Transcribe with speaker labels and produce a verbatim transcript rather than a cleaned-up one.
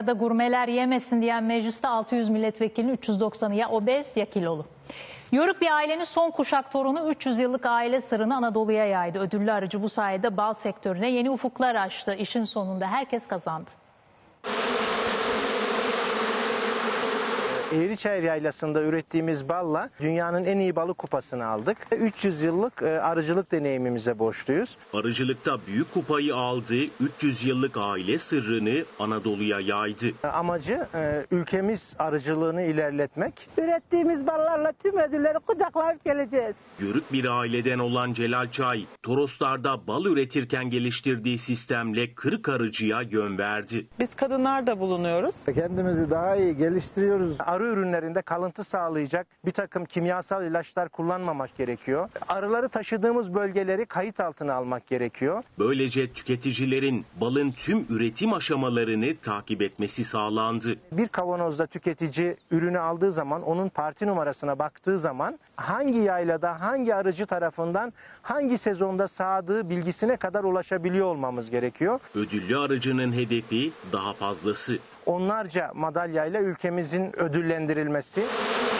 Speaker 1: Da gurmeler yemesin diyen mecliste altı yüz milletvekilinin üç yüz doksanı ya obez ya kilolu. Yörük bir ailenin son kuşak torunu üç yüz yıllık aile sırrını Anadolu'ya yaydı. Ödüllü aracı bu sayede bal sektörüne yeni ufuklar açtı. İşin sonunda herkes kazandı.
Speaker 2: Eğriçayır Yaylası'nda ürettiğimiz balla dünyanın en iyi balı kupasını aldık. üç yüz yıllık arıcılık deneyimimize borçluyuz.
Speaker 3: Arıcılıkta büyük kupayı aldı, üç yüz yıllık aile sırrını Anadolu'ya yaydı.
Speaker 2: Amacı ülkemiz arıcılığını ilerletmek.
Speaker 4: Ürettiğimiz ballarla tüm ödülleri kucaklayıp geleceğiz.
Speaker 3: Yörük bir aileden olan Celal Çay, Toroslar'da bal üretirken geliştirdiği sistemle kırık arıcıya yön verdi.
Speaker 5: Biz kadınlar da bulunuyoruz.
Speaker 6: Kendimizi daha iyi geliştiriyoruz.
Speaker 2: Arı ürünlerinde kalıntı sağlayacak bir takım kimyasal ilaçlar kullanmamak gerekiyor. Arıları taşıdığımız bölgeleri kayıt altına almak gerekiyor.
Speaker 3: Böylece tüketicilerin balın tüm üretim aşamalarını takip etmesi sağlandı.
Speaker 2: Bir kavanozda tüketici ürünü aldığı zaman onun parti numarasına baktığı zaman hangi yaylada hangi arıcı tarafından hangi sezonda sağdığı bilgisine kadar ulaşabiliyor olmamız gerekiyor.
Speaker 3: Ödüllü arıcının hedefi daha fazlası.
Speaker 2: Onlarca madalyayla ülkemizin ödüllendirilmesi.